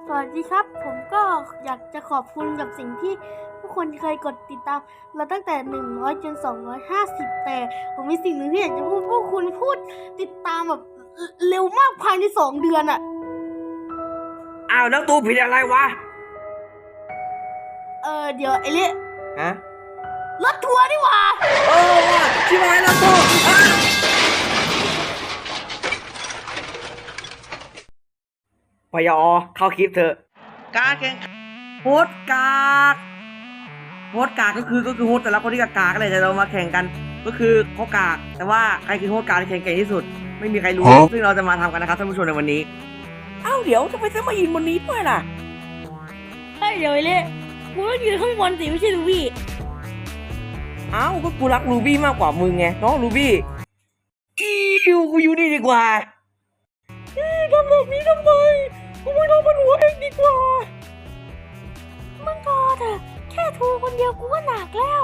สวัสดีครับผมก็อยากจะขอบคุณกับสิ่งที่ผู้คนเคยกดติดตามเราตั้งแต่100จน250แต่ผมมีสิ่งหนึ่งที่อยากจะพูดพวกคุณพูดติดตามแบบเร็วมากภายใน2 เดือนอะอ้าวแล้วตูผิดอะไรวะเดี๋ยวไอ้เละฮะรถทัวร์นี่หว่าว่ะชิบหายแล้วตูพยอเข้าคลิปเถอะการแข่งโฮสกากโฮสกากก็คือโฮสแต่ละคนที่กากๆเลยแต่เรามาแข่งกันก็คือเขากากแต่ว่าใครคือโฮสกากที่แข่งเก่งที่สุดไม่มีใครรู้ซึ่งเราจะมาทำกันนะครับท่านผู้ชมในวันนี้อ้าวเดี๋ยวทำไมต้องมายืนบนนี้ด้วยล่ะเดี๋ยวไอ้เละกูต้องยืนข้างบนสิไม่ใช่ลูวี่อ้าวก็กูรักรูบี้มากกว่ามึงไงน้องรูบี้กูอยู่นี่ดีกว่าทำแบบนี้ทำไมกูไม่ต้องมันหัวเองดีกว่ามึงพอเถอะแค่ทูคนเดียวกูก็หนักแล้ว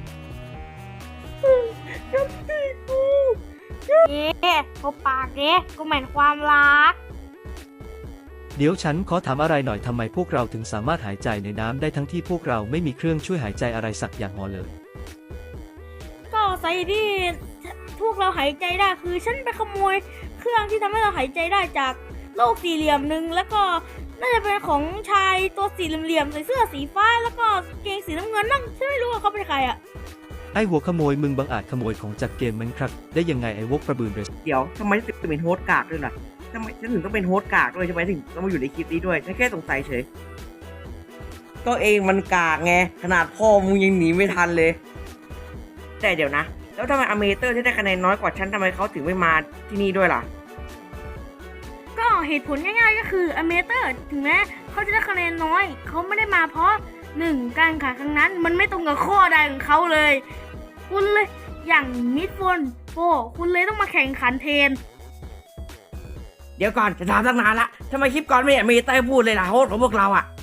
เขาปากเด้กูเหม็นความรักเดี๋ยวฉันขอถามอะไรหน่อยทำไมพวกเราถึงสามารถหายใจในน้ำได้ทั้งที่พวกเราไม่มีเครื่องช่วยหายใจอะไรสักอย่างเลยก็ใส่ที่พวกเราหายใจได้คือฉันไปขโมยเครื่องที่ทำให้เราหายใจได้จากโลกสี่เหลี่ยมหนึ่งแล้วก็น่าจะเป็นของชายตัวสี่เหลี่ยมใส่เสื้อสีฟ้าแล้วก็เกงสีน้ำเงินนั่งฉันไม่รู้ว่าเขาเป็นใครอ่ะไอ้หัวขโมยมึงบังอาจขโมยของจากเกมมันครับได้ยังไงไอ้วกประบืนเรสเดี๋ยวทำไมถึงเป็นโฮสต์กากด้วยล่ะทำไมฉันถึงต้องเป็นโฮสต์กากด้วยทำไมถึงต้องมาอยู่ในคลิปนี้ด้วยฉันแค่สงสัยเฉยก็เองมันกากไงขนาดพ่อมึงยังหนีไม่ทันเลยแต่เดี๋ยวนะแล้วทำไมอเมเตอร์ที่ได้คะแนนน้อยกว่าฉันทำไมเขาถึงไม่มาที่นี่ด้วยล่ะก็เหตุผลง่ายๆก็คืออเมเตอร์ถึงแม้เขาจะได้คะแนนน้อยเขาไม่ได้มาเพราะการแข่งขันครั้งนั้นมันไม่ตรงกับข้อใดของเขาเลยคุณเลยอย่างมิดโฟนโฟคุณเลยต้องมาแข่งขันแทนเดี๋ยวก่อนจะถามตั้งนานละทำไมคลิปก่อนไม่อเมเตอร์พูดเลยล่ะโฮสต์ของพวกเราอะ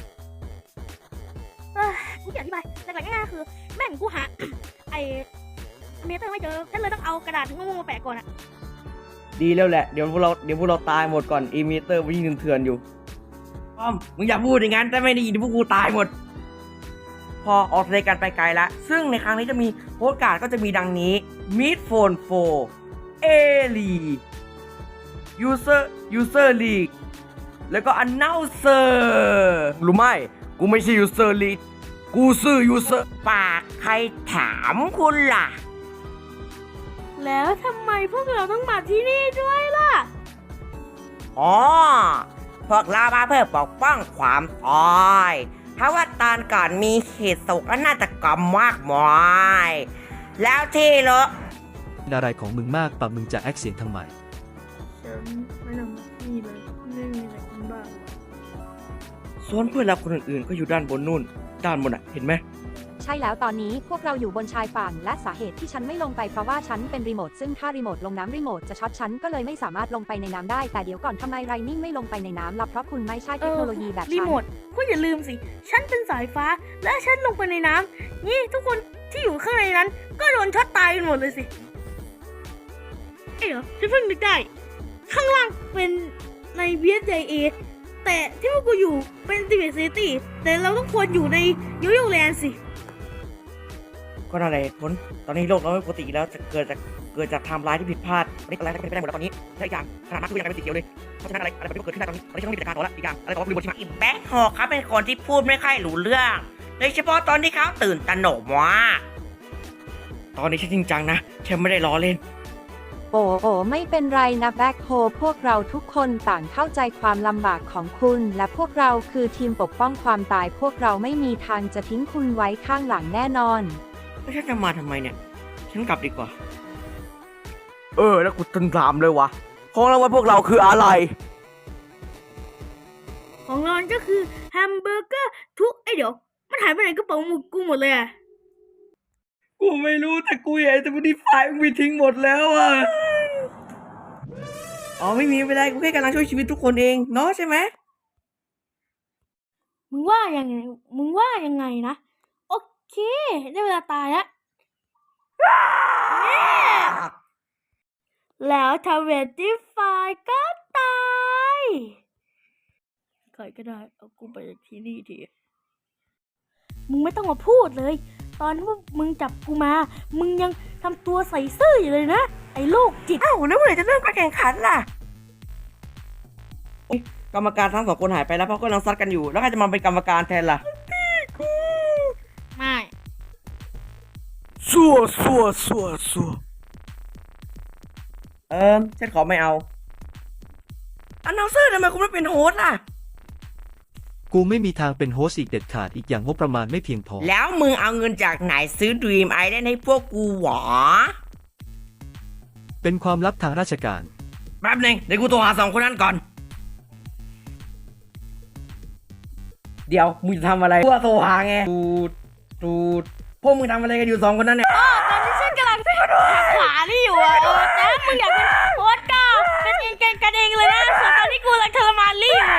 กูอธิบายแต่ง่ายๆคือแม่งกูหา ไอเมเตอร์ไม่เจอฉันเลยต้องเอากระดาษโง่ๆมาแปะก่อนอะดีแล้วแหละเดี๋ยวพวกเราตายหมดก่อนอเมเตอร์วิ่งเถื่อนๆอยู่ป้อมมึงอย่าพูดอย่างนั้นถ้าไม่ได้ยินพวกกูตายหมดพอออกรายการไปไกลละซึ่งในครั้งนี้จะมีโฮสต์การ์ดก็จะมีดังนี้ Mid Phone 4 A League User League แล้วก็ Announcer รู้ไหมกูไม่ใช่ User League กูซื้อ User ปากใครถามคุณล่ะแล้วทำไมพวกเราต้องมาที่นี่ด้วยล่ะอ๋อพวกเรามาเพื่อปกป้องความตายเพราะว่าตอนก่อนมีเหตุโศกนาฏกรรมมากมายแล้วที่เหรออะไรของมึงมากปะมึงจะแอคเสียงทำไมฉันไม่ทำแบบนี้เลยไม่มีอะไรกินบ้างส่วนเพื่อนเราคนอื่นๆก็อยู่ด้านบนนู่นด้านบนอ่ะเห็นไหมใช่แล้วตอนนี้พวกเราอยู่บนชายฝั่งและสาเหตุที่ฉันไม่ลงไปเพราะว่าฉันเป็นรีโมทซึ่งถ้ารีโมทลงน้ำรีโมทจะช็อตฉันก็เลยไม่สามารถลงไปในน้ำได้แต่เดี๋ยวก่อนทำไมไรนิ่งไม่ลงไปในน้ำล่ะเพราะคุณไม่ใช่เทคโนโลยีแบบรีฉันโมทคุณอย่าลืมสิ ฉันเป็นสายฟ้า และฉันลงไปในน้ำนี่ทุกคนที่อยู่ข้างในนั้น ก็โดนช็อตตายกันหมดเลยสิเดี๋ยวฉันเพิ่งนึกได้ ข้างล่างเป็นใน BSJA แต่ที่พวกกูอยู่เป็นติเบตซิตี้แต่เราต้องควรอยู่ในโยโย่แลนด์สิก็นั่นแหละเหตุผลตอนนี้โลกเราไม่ปกติแล้วจะเกิดจากไทม์ไลน์ที่ผิดพลาดอะไรเป็นไปได้หมดแล้วตอนนี้และอีกอย่างขนาดนั้นคือยังเป็นสีเขียวเลยเพราะฉะนั้นอะไรแบบนี้เกิดขึ้นได้ตอนนี้ฉันต้องมีจัดการต่อแล้วอีกอย่างอะไรต่อว่าลืมบทชิมาอีแบ็คฮอเขาเป็นคนที่พูดไม่ค่อยรู้เรื่องโดยเฉพาะตอนที่เขาตื่นตระหนกว่าตอนนี้ฉันจริงจังนะฉันไม่ได้ล้อเล่นโอ้ไม่เป็นไรนะแบ็คโฮพวกเราทุกคนต่างเข้าใจความลำบากของคุณ และพวกเราคือทีมปกป้องความตายพวกเราไม่มีทางจะทิ้งคุณไว้ข้างหลังแน่นอนแล้วฉันจะมาทำไมเนี่ยฉันกลับดีกว่าแล้วกูตึงถามเลยวะของรางวัลพวกเราคืออะไรของเราก็คือแฮมเบอร์เกอร์ทุกเดี๋ยวมันหายไปไหนกระเป๋าหมุกกูหมดเลยอะกูไม่รู้แต่กูเห็นแต่วันนี้ไฟล์มึงมีทิ้งหมดแล้วอ่ะอ๋อไม่มีไม่ได้กูแค่กำลังช่วยชีวิตทุกคนเองเนาะใช่ไหมมึงว่ายังไงนะโอเคได้เวลาตายแล้วแล้วทำเวทที่ไฟก็ตายรก็ได้เอากูไปจากที่นี่ทีมึงไม่ต้องมาพูดเลย ตอนที่มึงจับกูมา มึงยังทำตัวใส่ซื่ออยู่เลยนะ ไอ้โรคจิตอ้าวแล้วเมื่อไหร่จะเริ่มการแข่งขันล่ะกรรมการทั้งสองคนหายไปแล้วเพราะกำลังซัดกันอยู่แล้วใครจะมาเป็นกรรมการแทนล่ะไม่สัวฉันขอไม่เอาอันนาวเซอร์ทำไมคุณไม่เป็นโฮสต์ล่ะกูไม่มีทางเป็นโฮสต์อีกเด็ดขาดอีกอย่างงบประมาณไม่เพียงพอแล้วมึงเอาเงินจากไหนซื้อ Dream Island ให้พวกกูหวอเป็นความลับทางราชการแป๊บนึงเดี๋ยวกูโทรหาสองคนนั้นก่อน เดี๋ยวมึงจะทำอะไรกูโทรหาไงตูดพวกมึงทำอะไรกันอยู่สองคนนั้นเนี่ยตอนที่ฉันกำลังหักขวานี่อยู่อะแต่มึงอยากเป็นโค้ชก็เป็นเองกันเองเลยนะส่วนตอนที่กูกำลังทรมานลี่อยู่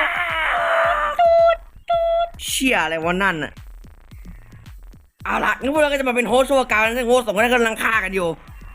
เชี่ยอะไรวะนั่นน่ะเอาล่ะงั้นพวกเราก็จะมาเป็นโฮสต์ชั่วคราวซึ่งโฮสต์สองคนนั้นกำลังฆ่ากันอยู่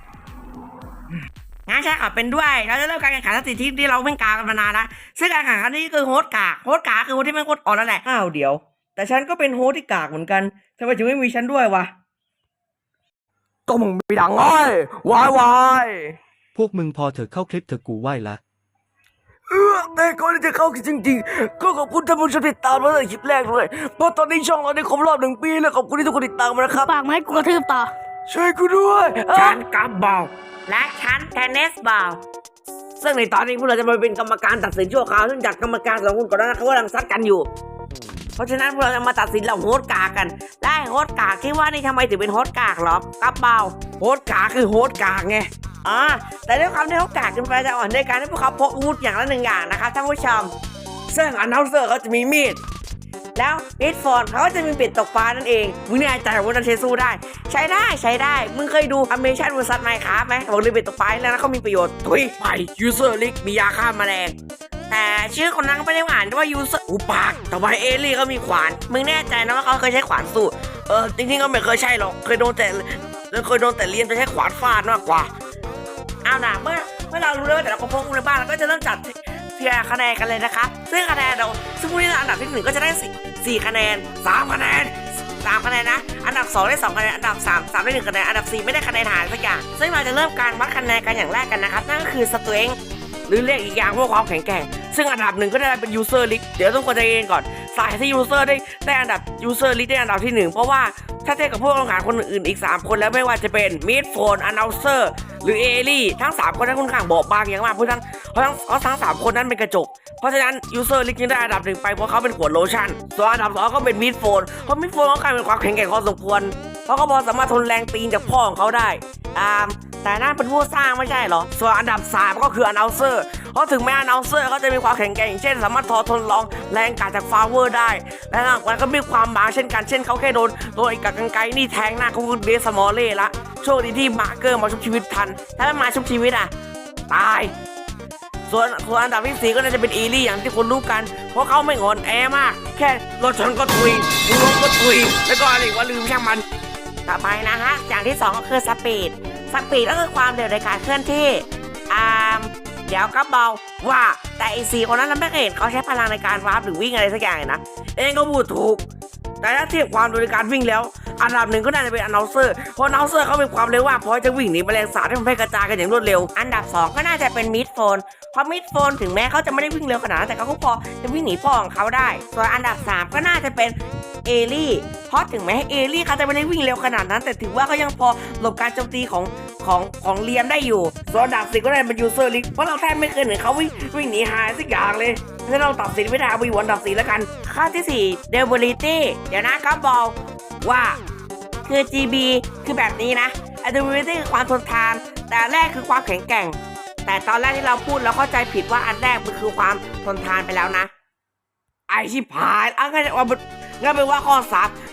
งั้นใช่ค่ะเป็นด้วยเราจะเริ่มการแข่งขันสถิติที่เราเพิ่งกากันมานานแล้วซึ่งการแข่งขันนี้คือโฮสต์กากคือโฮสต์ที่ไม่โคตรอ่อนนั่นแหละอ้าวเดี๋ยวแต่ฉันก็เป็นโฮสต์ที่กากเหมือนกันทำไมถึงไม่มีฉันด้วยวะก็มึงมีดังไงวายพวกมึงพอเถอะเข้าคลิปเถอะกูไหว้ละแต่ก่อนที่จะเข้าจริงๆก็ขอบคุณท่านผู้ชมที่ติดตามมาตั้งแต่คลิปแรกเลยเพราะตอนนี้ช่องเราได้ครบรอบ1 ปีแล้วขอบคุณที่ทุกคนติดตามมานะครับปากมาให้กูกระทืบต่อช่วยกูด้วยฉันกับบอลและฉันเทนนิสบอลซึ่งในตอนนี้พวกเราจะมาเป็นกรรมการตัดสินชั่วคราวซึ่งจากกรรมการสองคนก่อนหน้านั้นเขากำลังซัดกันอยู่เพราะฉะนั้นพวกเราจะมาตัดสินเราโฮสต์กากันได้โฮสต์กาคิดว่านี่ทำไมถึงเป็นโฮสต์กากหรอกับบอลโฮสต์กาคือโฮสต์กากไงแต่ด้วยความที่เขากากกันไปจะอ่อนด้วยการที่พวกเขาพกอาวุธอย่างละ1 อย่างนะครับท่านผู้ชมซึ่งอันนาวเซอร์เขาจะมีมีดแล้วมิดโฟนเขาก็จะมีเป็ดตกปลานั่นเองมึงแน่ใจว่านันเชสู้ได้ใช้ได้มึงเคยดูอเมชั่นวอร์ซัสไมค์ครับไหมบอกเลยเป็ดตกปลาแล้วนะเขามีประโยชน์ทุยไปยูเซอร์ลิกมียาฆ่าแมลงแต่ชื่อคนนั้นก็ไม่ได้อ่านว่ายูเซอร์อุปากต่อไปเอลี่ก็มีขวานมึงแน่ใจนะว่าเขาเคยใช้ขวานสู้จริงๆก็ไม่เคยใช่หรอกเคยโดนแต่เรียนจะใช้ขวานฟาดมากกว่าเอาล่ะเมื่อเรารู้แล้วแต่เราก็พกในบ้านเราก็จะเริ่มจัดเทียร์คะแนนกันเลยนะครับซึ่งคะแนนเราซึ่งผู้ที่ได้อันดับที่1ก็จะได้4 คะแนน3 คะแนนนะอันดับ2ได้2 คะแนนอันดับ3ได้1 คะแนนอันดับ4ไม่ได้คะแนนหายสักอย่างซึ่งเราจะเริ่มการวัดคะแนนกันอย่างแรกกันนะครับนั่นก็คือ strength หรือเรียกอีกอย่างว่าความแข็งแกร่งซึ่งอันดับ1ก็ได้เป็น user list เดี๋ยวต้องคนใจเย็นก่อนสายที่ user ได้อันดับ user list ได้อันดับที่1เพราะว่าถ้าเทียบกับพวกลงหาคนอื่นอีก3 คนแล้วไม่ว่าจะเป็น mid phone announcer หรือเอลี่ทั้ง3 คนนั้นค่อนข้างบอบบางอย่างมากเพราะทั้ง3 คนนั้นเป็นกระจกเพราะฉะนั้น user list จึงได้อันดับ1ไปเพราะเขาเป็นขวดโลชั่นส่วนอันดับ2ก็เป็น mid phone เพราะ mid phone เขากลายเป็นความแข็งแกร่งพอสมควรเพราะเขาพอสามารถทนแรงตีนจากพ่อของเขาได้แต่นั่นเป็นผู้สร้างไม่ใช่เหรอส่วนอันดับ3ก็คือ announcer เพราะถึงแม้ announcer เขาจะมีความแข็งแกร่งเช่นสามารถทนลองแรงกาดจากฟาเวอร์ได้และหลังจากนั้นก็มีความบางเช่นกันเช่นเขาแค่โดนไอ้กากรรไกรนี่แทงหน้าเขาคือเดสมอลเล่ละโชคดีที่มาร์เกอร์มาชุบชีวิตทันถ้าไม่มาชุบชีวิตตายส่วนอันดับที่4ก็น่าจะเป็นอีลี่อย่างที่คนรู้กันเพราะเขาไม่อ่อนแอมากแค่รถชนก็ทุยรถก็ทุยแล้วก็อะไรว่าลืมช่างมันต่อไปนะฮะอย่างที่2ก็คือสปีดก็คือความเร็วในการเคลื่อนที่เดี๋ยวก็บอกว่าแต่อี4 คนนั้นเราไม่เคยเห็นเขาใช้พลังในการวาร์ปหรือวิ่งอะไรสักอย่างเลยนะเองก็พูดถูกแต่ถ้าเทียบความเร็วในการวิ่งแล้วอันดับ1ก็น่าจะเป็นannouncerเพราะannouncerเขาเป็นความเร็วว่าพอจะวิ่งหนีแมลงสาบให้มันแพร่กระจายกันอย่างรวดเร็วอันดับ2ก็น่าจะเป็น mid phone เพราะ mid phone ถึงแม้เขาจะไม่ได้วิ่งเร็วขนาดนั้นแต่เขาก็พอจะวิ่งหนีพ่อของเขาได้ส่วนอันดับ3ก็น่าจะเป็นเอลี่เพราะถึงแม้เอลี่เขาจะไม่ได้วิ่งเร็วขนาดนั้นแต่ถือว่าเขายังพอหลบการโจมตีของเลียมได้อยู่ส่วนอันดับ4ก็ได้เป็น user list เพราะเราแทบไม่เคยเห็นเขาวิ่งหนีหายสักอย่างเลยถ้าเราตัดสินไม่ได้เอาไปอยู่อันดับ4แล้วกันข้อที่4 durability เดี๋ยวนะครับบอกว่าคือ GB คือแบบนี้นะ durability คือความทนทานแต่แรกคือความแข็งแกร่งแต่ตอนแรกที่เราพูดเราเข้าใจผิดว่าอันแรกมันคือความทนทานไปแล้วนะไอชิบหายงั้นเป็นว่าข้อ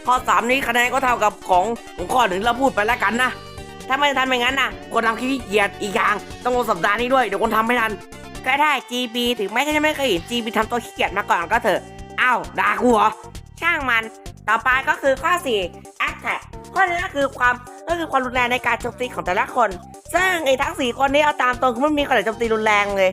3นี้คะแนนก็เท่ากับของข้อ1เราพูดไปแล้วกันนะถ้าไม่ทำอย่างนั้นนะคนทำขี้เกียจอีกอย่างต้องลงสัปดาห์นี้ด้วยเดี๋ยวคนทำไม่ทันก็ได้ GB ถึงแม้จะไม่เคยเห็น GB ทำตัวขี้เกียจมาก่อนก็เถอะอ้าวด่ากูเหรอช่างมันต่อไปก็คือข้อ4 attack ข้อนี้ก็คือความรุนแรงในการโจมตีของแต่ละคนซึ่งไอ้ทั้ง4 คนนี้เอาตามตรงคือไม่มีใครโจมตีรุนแรงเลย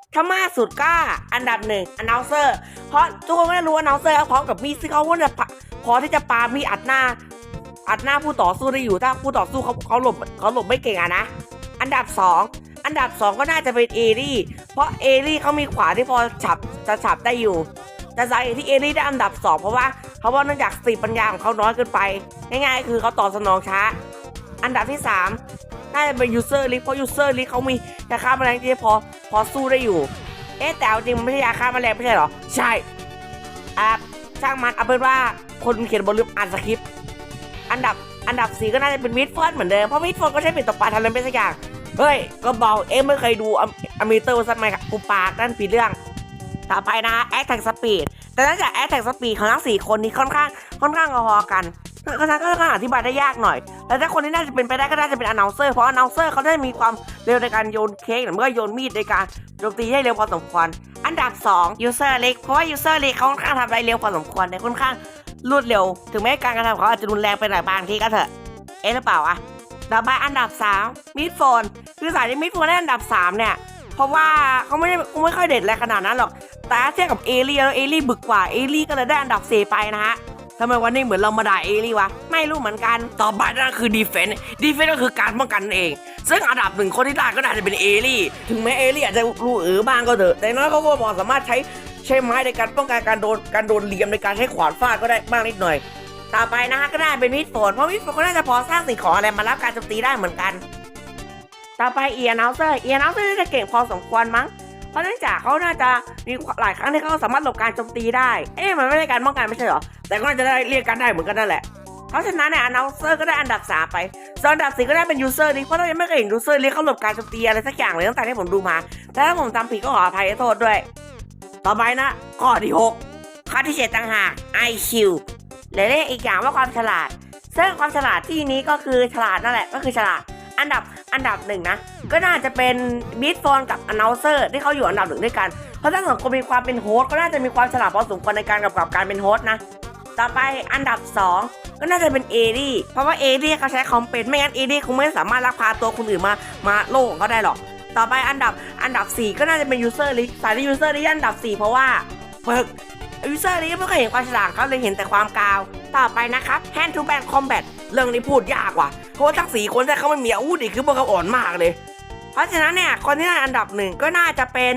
ถ้ามากสุดก็อันดับหนึ่ง announcer เพราะทุกคนก็ได้รู้ว่า announcer เขาพร้อมกับมีดซึ่งเขาก็จะพอที่จะปามีดอัดหน้าผู้ต่อสู้ได้อยู่ถ้าผู้ต่อสู้เขาหลบไม่เก่งอะนะอันดับ2ก็น่าจะเป็นเอรี่เพราะเอรี่เขามีขวาที่พอฉับได้อยู่แต่สาเหตุที่เอรี่ได้อันดับ2เพราะว่าเนื่องจากสติปัญญาของเขาน้อยเกินไปง่ายๆคือเขาตอบสนองช้าอันดับที่3น่าจะเป็นยูเซอร์ลิฟเพราะยูเซอร์ลิฟเขามียาฆ่าแมลงที่พอสู้ได้อยู่แต่จริงมันไม่ใช่ยาฆ่าแมลงไม่ใช่หรอใช่ช่างมันเอาเป็นว่าคนเขียนบทลืมอ่านสคริปต์อันดับ4ก็น่าจะเป็นมิดฟอนเหมือนเดิมเพราะมิดฟอนก็ใช้เป็นตบปลาทำอะไรไม่สักอย่างเฮ้ยก็บอกไม่เคยดูอเมเตอร์สักไหมครับกูปากนั่นผิดเรื่องต่อไปนะแอคแท็กสปีดแต่น่าจะแอคแท็กสปีดของทั้ง4คนนี้ค่อนข้างพอกันก็อธิบายได้ยากหน่อยแต่ถ้าคนที่น่าจะเป็นไปได้ก็น่าจะเป็น announcer เพราะ announcer เขาได้มีความเร็วในการโยนเค้กหรือไม่ก็โยนมีดในการโจมตีให้เร็วพอสมควรอันดับ2 user เล็กเพราะว่า user เล็กเขาค่อนข้างทำอะไรเร็วพอสมควรแต่ค่อนข้างรวดเร็วถึงแม้การกระทำของเขาอาจจะรุนแรงไปหน่อยบางทีก็เถอะหรือเปล่าต่อไปอันดับ3มิดโฟนคือสายที่มิดโฟนได้อันดับ3เนี่ยเพราะว่าเขาไม่ค่อยเด็ดอะไรขนาดนั้นหรอกแต่เทียบกับเอลี่แล้วเอลี่บึกกว่าเอลี่ก็เลยได้อันดับ4ไปนะฮะทำไมวันนี้เหมือนเรามาด่าเอลี่วะไม่รู้เหมือนกันต่อไปนั่นคือดีเฟนส์ก็คือการป้องกันเองซึ่งอันดับ1คนที่ได้ก็น่าจะเป็นเอลี่ถึงแม้เอลี่อาจจะรู้บ้างก็เถอะแต่น้อยเขาก็พอสามารถใช้ไม้ในการป้องกันการโดนเหลี่ยมในการใช้ขวานฟาดก็ได้บ้างนิดหน่อยต่อไปนะฮะก็ได้เป็นมิดโฟนเพราะมิดโฟนก็น่าจะพอสร้างสิ่งของอะไรมารับการโจมตีได้เหมือนกันต่อไปเอียร์เนลเซอร์น่าจะเก่งพอสมควรมั้งเพราะเนื่องจากเขาน่าจะมีหลายครั้งที่เขาสามารถหลบการโจมตีได้มันไม่ใช่การป้องกันไม่ใช่หรอแต่ก็น่าจะได้เรียกกันได้เหมือนกันนั่นแหละเพราะฉะนั้นเนี่ย announcer ก็ได้อันดับ3ไปส่วนอันดับ4ก็ได้เป็น user ลิเพราะเรายังไม่เคยเห็น user ลิเขาหลบการโจมตีอะไรสักอย่างเลยตั้งแต่ที่ผมดูมาแต่ถ้าผมจำผิดก็ขออภัยโทษด้วยต่อไปนะข้อที่6ข้อที่7ต่างหาก IQ หรือเรียกอีกอย่างว่าความฉลาดซึ่งความฉลาดที่นี้ก็คือฉลาดนั่นแหละก็คือฉลาดอันดับ1นะก็น่าจะเป็นมิดโฟนกับ announcer ที่เขาอยู่อันดับ1ด้วยกันเพราะถ้าสองคนมีความเป็นโฮสต์ก็น่าจะมีความฉลาดพอสมควรในการกำกับการเป็นโฮสต์นะต่อไปอันดับ2ก็น่าจะเป็นเอรี่เพราะว่าเอรี่เขาใช้คอมเป็นไม่งั้นเอรี่คงไม่สามารถลักพาตัวคนอื่นมาโลกของเขาได้หรอกต่อไปอันดับ4ก็น่าจะเป็น user ลิสายที่ user ลิอันดับ4เพราะว่าฝึก user ลิไม่เคยเห็นความฉลาดเขาเลยเห็นแต่ความกาวต่อไปนะครับ hand to hand combat เรื่องนี้พูดยากว่ะเพราะว่าทั้ง4คนแต่เขาไม่มีอาวุธอีกคือพวกเขาอ่อนมากเลยเพราะฉะนั้นเนี่ยคนที่ได้อันดับ1ก็น่าจะเป็น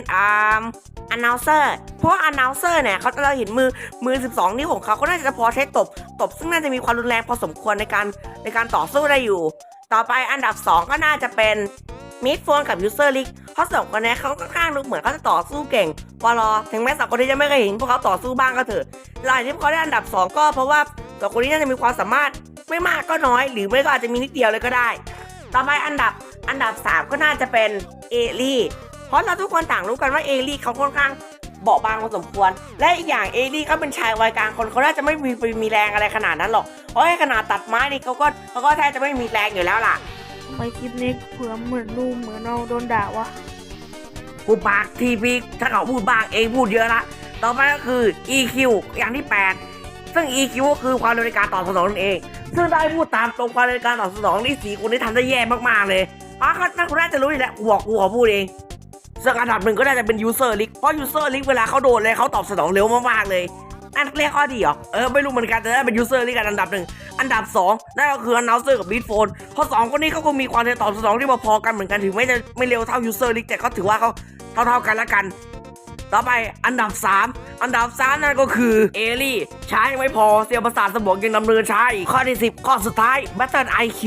announcer เพราะว่า announcer เนี่ยเขาเราเห็นมือ12นิ้วของเขาก็น่าจะพอใช้ตบซึ่งน่าจะมีความรุนแรงพอสมควรในการต่อสู้ได้อยู่ต่อไปอันดับ2ก็น่าจะเป็นมิดโฟนกับ user league เพราะ2คนนี้เขาค่อนข้างดูเหมือนเขาจะต่อสู้เก่งพอรอถึงแม้2คนนี้จะไม่เคยเห็นพวกเขาต่อสู้บ้างก็เถอะหลายที่เขาได้อันดับ2ก็เพราะว่า2คนนี้น่าจะมีความสามารถไม่มากก็น้อยหรือไม่ก็อาจจะมีนิดเดียวเลยก็ได้ต่อไปอันดับ3ก็น่าจะเป็นเอลี่เพราะเราทุกคนต่างรู้กันว่าเอลี่เขาค่อนข้างเบาบางพอสมควรและอีกอย่างเอลี่เขาเป็นชายวัยกลางคนเขาน่าจะไม่มีแรงอะไรขนาดนั้นหรอกเพราะขนาดตัดไม้นี่เขาก็แทบจะไม่มีแรงอยู่แล้วล่ะทำไมคลิปนี้เผื่อเหมือนเราโดนด่าวะกูปากทีพีถ้าเขาพูดบ้างเองพูดเยอะละต่อไปก็คือ EQ อย่างที่8ซึ่ง EQ ก็คือความเร็วในการตอบสนองนั่นเองซึ่งได้พูดตามตรงความเร็วในการตอบสนองนี่4คนนี้ทำได้แย่มากๆเลยเพราะคุณน่าจะรู้อยู่แล้วกูขอพูดเองซึ่งอันดับ1ก็น่าจะเป็น user league เพราะ user league เวลาเขาโดนเลยเขาตอบสนองเร็วมากๆเลยนั่นเรียกข้อดีเหรอไม่รู้เหมือนกันแต่ได้เป็น user league กันอันดับ1อันดับ2นั่นก็คือ announcer กับ beat phone เพราะ2คนนี้เขาก็มีความเร็วตอบสนองที่พอๆกันเหมือนกันถึงไม่จะไม่เร็วเท่า user league แต่ก็ถือว่าเขาเท่ากันละกันต่อไปอันดับ3นั่นก็คือเอลี่ช้ายังไม่พอเซลล์ประสาทสมองยังดำเนินช้าอีกข้อที่10ข้อสุดท้าย Battle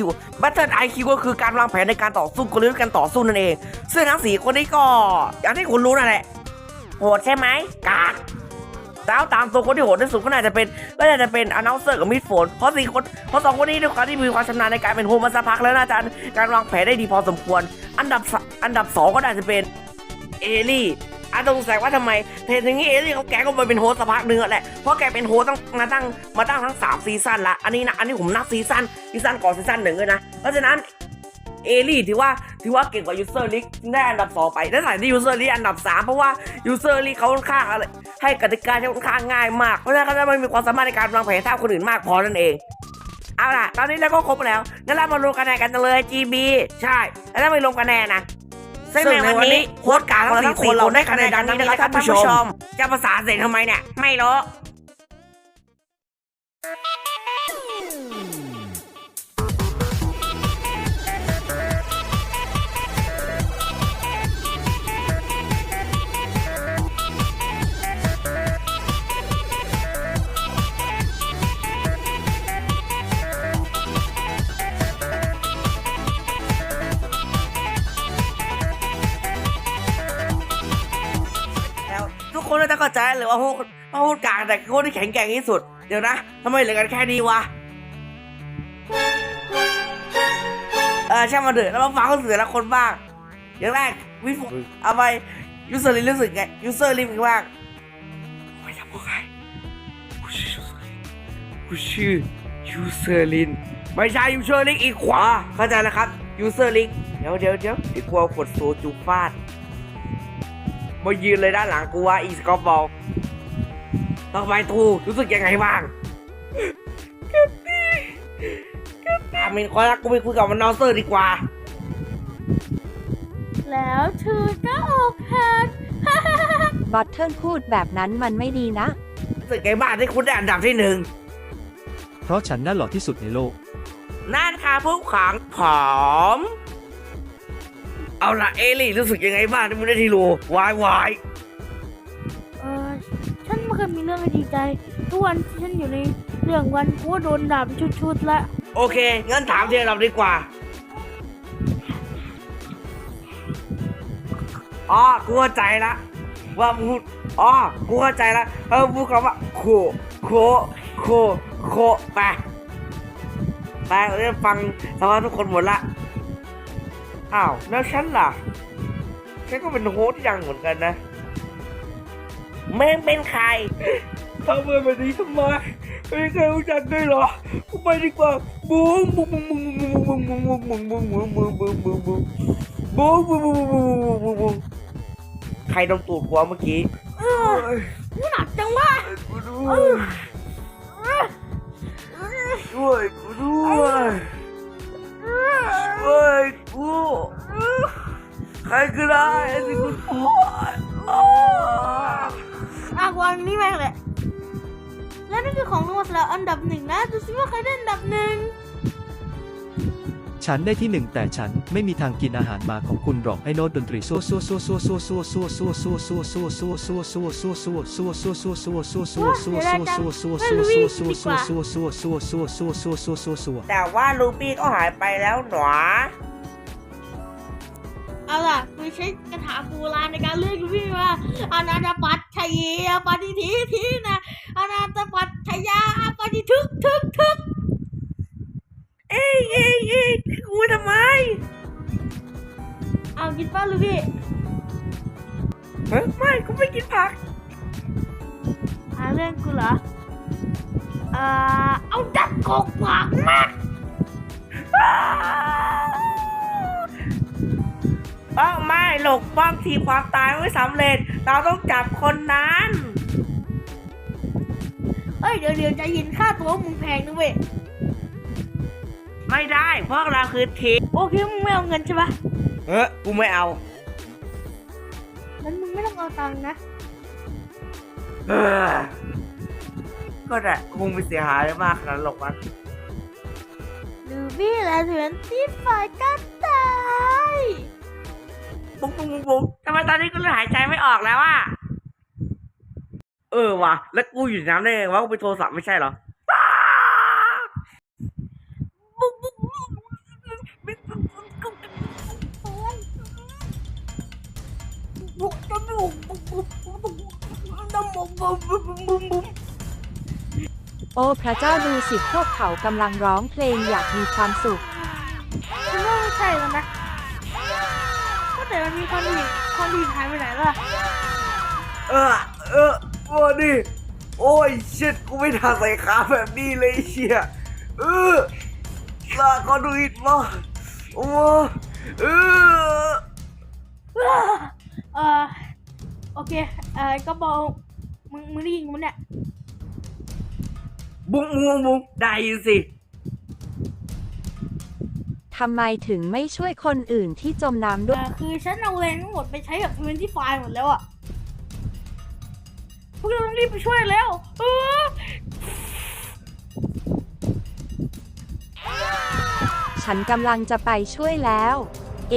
IQ ก็คือการวางแผนในการต่อสู้กลยุทธ์การต่อสู้นั่นเองซึ่งทั้ง4คนนี้ก็อย่างที่คุณรู้นั่นแหละโหดใช่ไหมกากแล้วตามตัวคนที่โหดที่สุดก็น่าจะเป็น announcer กับ mid phone เพราะ2คนนี้ด้วยความที่มีความชำนาญในการเป็นโฮมาสักพักแล้วน่าจะการวางแผนได้ดีพอสมควรอันดับ2ก็น่าจะเป็นเอลี่สงสัยว่าทำไมเห็นอย่างนี้เอลี่เขาแกก็มาเป็นโฮสต์สักพักนึงแหละเพราะแกเป็นโฮสต์มาตั้งทั้ง3ซีซั่นละอันนี้ผมนับซีซั่นก่อนซีซั่น1เลยนะเพราะฉะนั้นเอลี่ถือว่าเก่งกว่ายูเซอร์ลิกได้อันดับ2ไปและสายที่ยูเซอร์ลิกอันดับ3เพราะว่ายูเซอร์ลิกเขาค่อนข้างอะไรให้กติกาที่ค่อนข้างง่ายมากเพราะฉะนั้นเขาจะไม่มีความสามารถในการวางแผนเท่าคนอื่นมากพอนั่นเองเอาล่ะตอนนี้เราก็ครบแล้วงั้นเรามาลงคะแนนกันเลย GB ใช่แล้วเราไปลงคะแนนนะซึ่งในวันนี้โค้ชกลางทั้ง4 คนเราได้คะแนนดังนี้นะครับท่านผู้ชมจะภาษาเสียงทำไมเนี่ยไม่รู้แล้วทุกคนน่าจะเข้าใจหรือว่าโค้ชกลางแต่โค้ชที่แข็งแกร่งที่สุดเดี๋ยวนะทำไมเหลือกันแค่นี้วะช่างมาเถอะแล้วมาฟังเขาเสือละคนบ้างอย่างแรกวิฟเอาไปยูเซอร์ลินรู้สึกไงยูเซอร์ลินเป็นบ้างไม่ทำบอกใครกูชื่อยูเซอร์ลินไม่ใช่ยูเซอร์ลินอีกขวาเข้าใจแล้วครับยูเซอร์ลินเดี๋ยวไอ้กลัวกดโซจูฟาดมายืนเลยด้านหลังกูว่าอีสกอร์บอลต่อไปทูรู้สึกยังไงบ้างมินคอยรักกูไปคุยกับมันนอเซอร์ดีกว่าแล้วเธอก็ออกแฮนบอทเทิลพูดแบบนั้นมันไม่ดีนะรู้สึกไงบ้างที่คุณได้อันดับที่เพราะฉันน่าหล่อที่สุดในโลก 1นั่นค่ะผู้ขังผอมเอาละเอลี่รู้สึกยังไงบ้างที่มึงได้ที่รูวายฉันไม่เคยมีเรื่องให้ดีใจทุกวันที่ฉันอยู่ในเรื่องวันกูก็โดนด่าเป็นชุดๆละโอเคงั้นถามทีละเราดีกว่ากูเข้าใจละว่าพูดกูเข้าใจละพูดคำว่าโคไปเราได้ฟังสภาพทุกคนหมดละอ้าวแล้วฉันล่ะฉันก็เป็นโฮสต์ยังเหมือนกันนะแม่งเป็นใครทำแบบนี้ทำไมไม่เคยรู้จักด้วยเหรอกูไปดีกว่าบุ้งใครโดนตูดหัวเมื่อกี้กูหนักจังวะกูด้วยใครก็ได้สิกูปวดวางนี่แม่งเลยแล้วนี่คือของรางวัลแล้วอันดับ1นะดูสิว่าใครได้อันดับ1 ฉันได้ที่ 1แต่ฉันไม่มีทางกินอาหารหมาของคุณหรอกไอ้โน้ตดนตรีสู้แต่ว่าลูปี้ก็หายไปแล้วหนอเอาล่ะกูใช้คาถาโบราณในการเลือกลูปี้ว่าอนาตปัตชัยปฏิทีนะอนาตปัตชยาปฏิทึกเอ้ยกูทำไมเอากินป้าลูพี่ไม่กูไม่กินผักเรื่องกูเหรอเอาดักกอกผักมาไม่หลบป้อมทีความตายไม่สำเร็จเราต้องจับคนนั้นเดี๋ยวจะยินค่าตัวมึงแพงนะเว้ยไม่ได้เพราะเราคือทีมโอเคมึงไม่เอาเงินใช่ปะกูไม่เอางั้นมึงไม่ต้องเอาตังค์นะก็ได้คงไม่เสียหายมากขนาดหรอกมันลูบี้และเถื่อนที่ฝ่ายกันตายปุ๊บทำไมตอนนี้กูเลยหายใจไม่ออกแล้วอ่ะว่ะแล้วกูอยู่น้ำได้ไงวะกูไปโทรศัพท์ไม่ใช่เหรอโอ้พระเจ้าดูสิพวกเขากำลังร้องเพลงอยากมีความสุขฉันว่าไม่ใช่แล้วนะก็แต่มันมีคนอื่นหายไปไหนล่ะวันนี้โอ้ยชิดกูไม่ทาใส่ขาแบบนี้เลยเชี่ยลาก็ดูอิดมาโอเคก็บอกมึงได้ยินกูเนี่ยบุ้งได้ยินสิทำไมถึงไม่ช่วยคนอื่นที่จมน้ำด้วยคือฉันเอาแรงทั้งหมดไปใช้กับพื้นที่ไฟหมดแล้วอะพวกเราต้องรีบไปช่วยแล้วฉันกำลังจะไปช่วยแล้ว เอง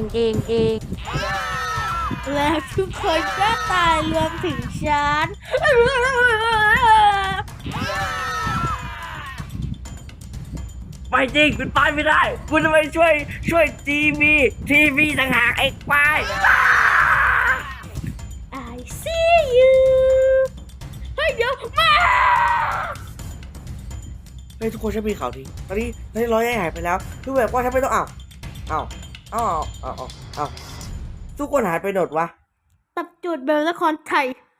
แล้วทุกคนก็ตายรวมถึงฉันไม่จริงคุณตายไม่ได้ คุณจะไปช่วยทีวีต่างหากไอ้ควาย I see you เฮ้ยเดี๋ยวมาเฮ้ยทุกคนฉันมีข่าวดีตอนนี้ร้อยหายไปแล้วคือแบบว่าฉันไม่ต้องอ้าวทุกคนหายไปหมดวะตับจูดเบลละครไทย